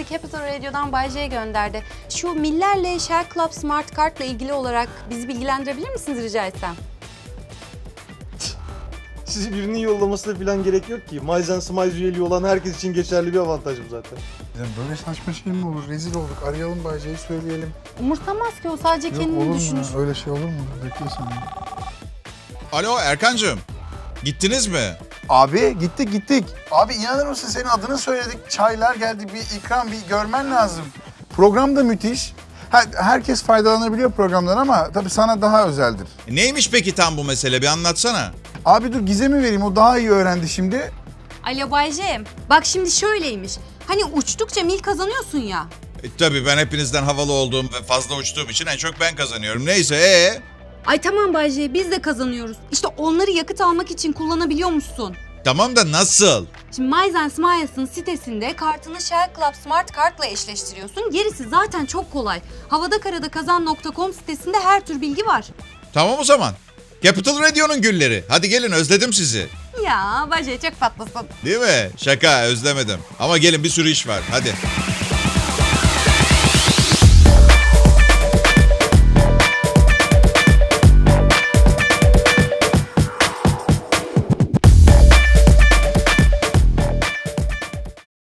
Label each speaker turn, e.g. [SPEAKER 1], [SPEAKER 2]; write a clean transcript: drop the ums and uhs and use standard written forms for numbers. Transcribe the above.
[SPEAKER 1] bizi Capital Radio'dan Bay J gönderdi. Şu millerle Shell Club Smart Card'la ilgili olarak bizi bilgilendirebilir misiniz rica etsem?
[SPEAKER 2] Sizi birinin yollamasına falan gerek yok ki. Miles and Smiles üyeliği olan herkes için geçerli bir avantaj bu zaten.
[SPEAKER 3] Böyle saçma şey mi olur? Rezil olduk. Arayalım Bay J'yi söyleyelim.
[SPEAKER 1] Umursamaz ki o sadece
[SPEAKER 3] Yok,
[SPEAKER 1] kendini
[SPEAKER 3] olur mu
[SPEAKER 1] düşünür.
[SPEAKER 3] ya? Öyle şey olur mu? Bekle sen.
[SPEAKER 4] Alo Erkancığım. Gittiniz mi?
[SPEAKER 3] Abi gittik. Abi inanır mısın senin adını söyledik. Çaylar geldi, bir ikram, bir görmen lazım. Program da müthiş. Herkes faydalanabiliyor programdan ama tabii sana daha özeldir.
[SPEAKER 4] Neymiş peki tam bu mesele? Bir anlatsana.
[SPEAKER 3] Abi dur Gizem'i vereyim, o daha iyi öğrendi şimdi.
[SPEAKER 1] Alo Bay J, bak şimdi şöyleymiş. Hani uçtukça mil kazanıyorsun ya.
[SPEAKER 4] Tabii ben hepinizden havalı olduğum ve fazla uçtuğum için en çok ben kazanıyorum. Neyse
[SPEAKER 1] Ay tamam Bay J, biz de kazanıyoruz. İşte onları yakıt almak için kullanabiliyormuşsun.
[SPEAKER 4] Tamam da nasıl?
[SPEAKER 1] Şimdi Miles and Smiles'ın sitesinde kartını Shell Club Smart Card'la eşleştiriyorsun. Gerisi zaten çok kolay. Havadakaradakazan.com sitesinde her tür bilgi var.
[SPEAKER 4] Tamam o zaman. Capital Radio'nun gülleri. Hadi gelin özledim sizi.
[SPEAKER 1] Ya Bay J çok tatlısın.
[SPEAKER 4] Değil mi? Şaka özlemedim. Ama gelin bir sürü iş var. Hadi.